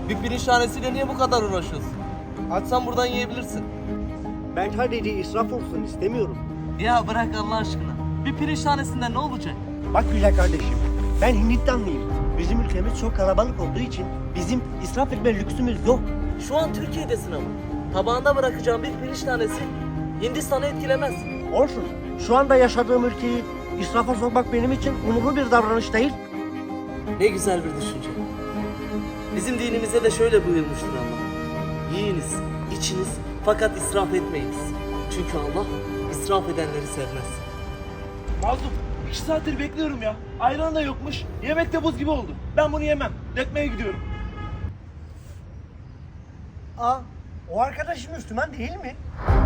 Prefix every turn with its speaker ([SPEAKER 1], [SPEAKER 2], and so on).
[SPEAKER 1] Bir pirinç tanesiyle niye bu kadar uğraşıyorsun? Açsan buradan yiyebilirsin.
[SPEAKER 2] Ben sadece israf olsun istemiyorum.
[SPEAKER 1] Ya bırak Allah aşkına. Bir pirinç tanesinden ne olacak?
[SPEAKER 2] Bak güzel kardeşim, ben Hindistanlıyım. Bizim ülkemiz çok kalabalık olduğu için bizim israf etme lüksümüz yok.
[SPEAKER 1] Şu an Türkiye'desin ama. Tabağında bırakacağım bir pirinç tanesi Hindistan'ı etkilemez.
[SPEAKER 2] Olsun, şu anda yaşadığım ülkeyi israfa sokmak benim için onurlu bir davranış değil.
[SPEAKER 1] Ne güzel bir düşünce. Bizim dinimizde de şöyle buyurmuştur Allah. Yiyiniz, içiniz fakat israf etmeyiniz. Çünkü Allah israf edenleri sevmez.
[SPEAKER 3] Mazlum 2 saattir bekliyorum ya. Ayran da yokmuş. Yemek de buz gibi oldu. Ben bunu yemem. Dekmeye gidiyorum.
[SPEAKER 2] Aa, o arkadaş Müslüman değil mi?